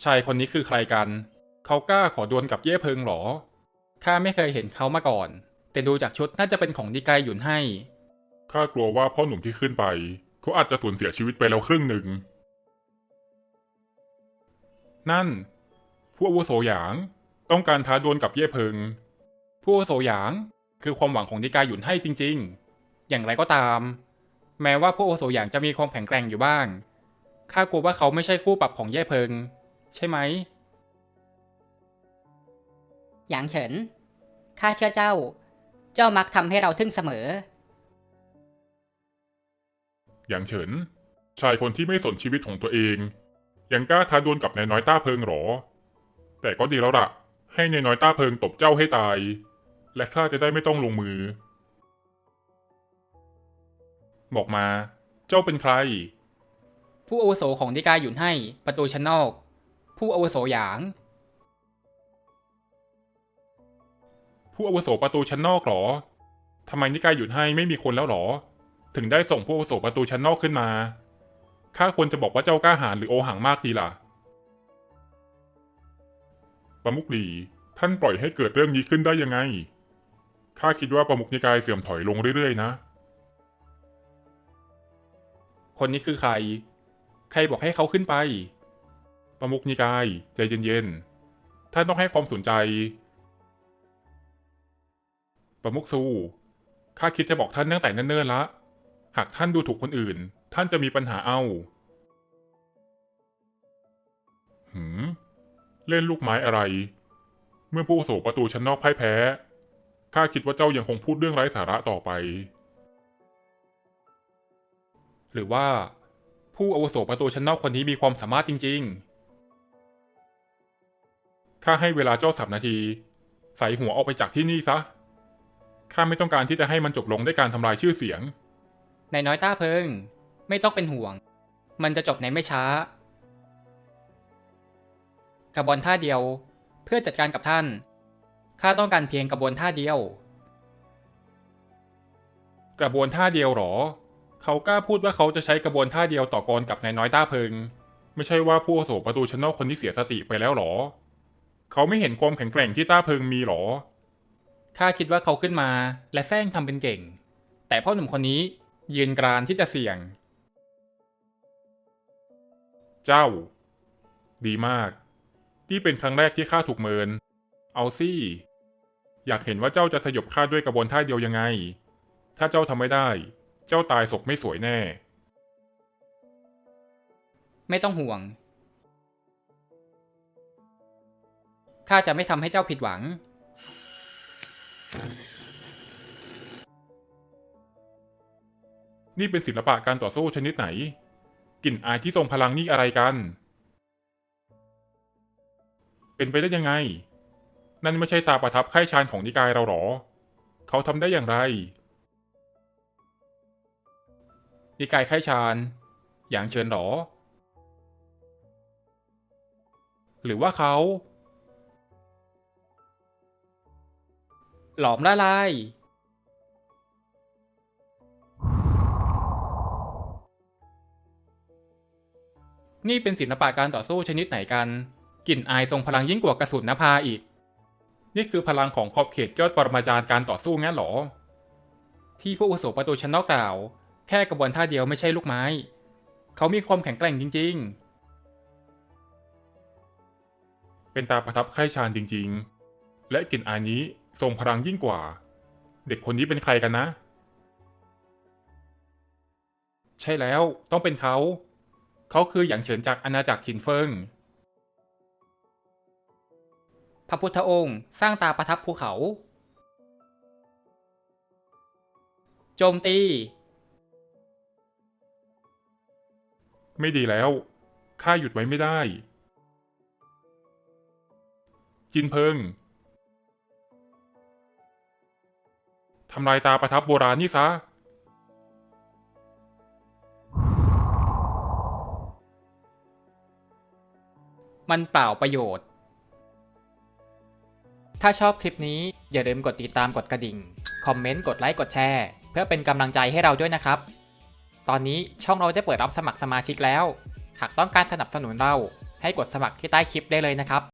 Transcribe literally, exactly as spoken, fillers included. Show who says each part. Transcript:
Speaker 1: ชายคนนี้คือใครกันเขากล้าขอดวลกับเย่เพิงหรอข้าไม่เคยเห็นเขามาก่อนแต่ดูจากชุดน่าจะเป็นของนิกายหยุนให้
Speaker 2: ข้ากลัวว่าพ่อหนุ่มที่ขึ้นไปเขาอาจจะสูญเสียชีวิตไปแล้วครึ่งหนึ่งนั่นผู้อาวุโสหยางต้องการท้าดวลกับเย่เพิงผู้อาวุโสหยางคือความหวังของนิกายหยุนให้จริงๆอย่างไรก็ตามแม้ว่าผู้อาวุโสหยางจะมีความแข็งแกร่งอยู่บ้างข้ากลัวว่าเขาไม่ใช่คู่ปรับของเย่เพิงใช่ไหม
Speaker 3: หยางเฉินข้าเชื่อเจ้าเจ้ามักทำให้เราทึ่งเสมอ
Speaker 2: หยางเฉินชายคนที่ไม่สนชีวิตของตัวเองยังกล้าท้าดวลกับนายน้อยต้าเพิงหรอแต่ก็ดีแล้วล่ะให้นายน้อยต้าเพิงตบเจ้าให้ตายและข้าจะได้ไม่ต้องลงมือบอกมาเจ้าเป็นใคร
Speaker 1: ผู้อาวุโสของนิกายหยุนให้ประตูชั้นนอกผู้อาวุโสหยางผู้อาวุโสประตูชั้นนอกหรอทำไมนิกายหยุนให้ไม่มีคนแล้วหรอถึงได้ส่งผู้อาวุโสประตูชั้นนอกขึ้นมาข้าควรจะบอกว่าเจ้ากล้าหาญหรือโอหังมากดีล่ะประมุขหลี่ท่านปล่อยให้เกิดเรื่องนี้ขึ้นได้ยังไงข้าคิดว่าประมุขนิกายเสื่อมถอยลงเรื่อยๆนะคนนี้คือใครใครบอกให้เขาขึ้นไปประมุขนิกายใจเย็นๆท่านต้องให้ความสนใจประมุขซูข้าคิดจะบอกท่านตั้งแต่เนิ่นๆละหากท่านดูถูกคนอื่นท่านจะมีปัญหาเอาหืมเล่นลูกไม้อะไรเมื่อผู้อาวุโสประตูชั้นนอกพ่ายแพ้ข้าคิดว่าเจ้ายังคงพูดเรื่องไร้สาระต่อไปหรือว่าผู้อาวุโสประตูชั้นนอกคนนี้มีความสามารถจริงๆข้าให้เวลาเจ้าสามนาทีใส่หัวออกไปจากที่นี่ซะข้าไม่ต้องการที่จะให้มันจบลงด้วยการทำลายชื่อเสียงนายน้อยต้าเพิงไม่ต้องเป็นห่วงมันจะจบในไม่ช้ากระบวนท่าเดียวเพื่อจัดการกับท่านข้าต้องการเพียงกระบวนท่าเดียวกระบวนท่าเดียวหรอเขากล้าพูดว่าเขาจะใช้กระบวนท่าเดียวต่อกรกับนายน้อยต้าเพิงไม่ใช่ว่าผู้อาวุโสประตูชั้นนอกคนที่เสียสติไปแล้วหรอเขาไม่เห็นความแข็งแกร่งที่ต้าเพิงมีหรอข้าคิดว่าเขาขึ้นมาและแซงทำเป็นเก่งแต่พ่อหนุ่มคนนี้ยืนกรานที่จะเสี่ยงเจ้าดีมากนี่เป็นครั้งแรกที่ข้าถูกเมินเอาสิอยากเห็นว่าเจ้าจะสยบข้าด้วยกระบวนท่าเดียวยังไงถ้าเจ้าทำไม่ได้เจ้าตายศกไม่สวยแน่ไม่ต้องห่วงข้าจะไม่ทำให้เจ้าผิดหวังนี่เป็นศิลปะการต่อสู้ชนิดไหนกลิ่นอายที่ทรงพลังนี่อะไรกันเป็นไปได้ยังไงนั่นไม่ใช่ตาประทับไข้ชานของนิกายเราหรอเขาทำได้อย่างไรนิกายไข้ชานอย่างเชิญหรอหรือว่าเขาหลอมละลายนี่เป็นศิลปะการต่อสู้ชนิดไหนกันกลิ่นอายทรงพลังยิ่งกว่ากระสุนนภาอีกนี่คือพลังของขอบเขตยอดปรมาจารย์การต่อสู้งั้นหรอที่ผู้อาวุโสประตูชั้นนอกกล่าวแค่กระบวนท่าเดียวไม่ใช่ลูกไม้เขามีความแข็งแกร่งจริงๆเป็นตาประทับไข้ชานจริงๆและกลิ่นอายนี้ทรงพลังยิ่งกว่าเด็กคนนี้เป็นใครกันนะใช่แล้วต้องเป็นเขาเขาคือหยางเฉินจากอาณาจักรฉินเฟิงพระพุทธองค์สร้างตาประทับภูเขาโจมตีไม่ดีแล้วข้าหยุดไว้ไม่ได้จินเพิงทำลายตาประทับโบราณนี่ซะมันเปล่าประโยชน์ถ้าชอบคลิปนี้อย่าลืมกดติดตามกดกระดิ่งคอมเมนต์กดไลค์กดแชร์เพื่อเป็นกำลังใจให้เราด้วยนะครับตอนนี้ช่องเราได้เปิดรับสมัครสมาชิกแล้วหากต้องการสนับสนุนเราให้
Speaker 2: ให้กดสมัครที่ใต้คลิปได้เลยนะครับ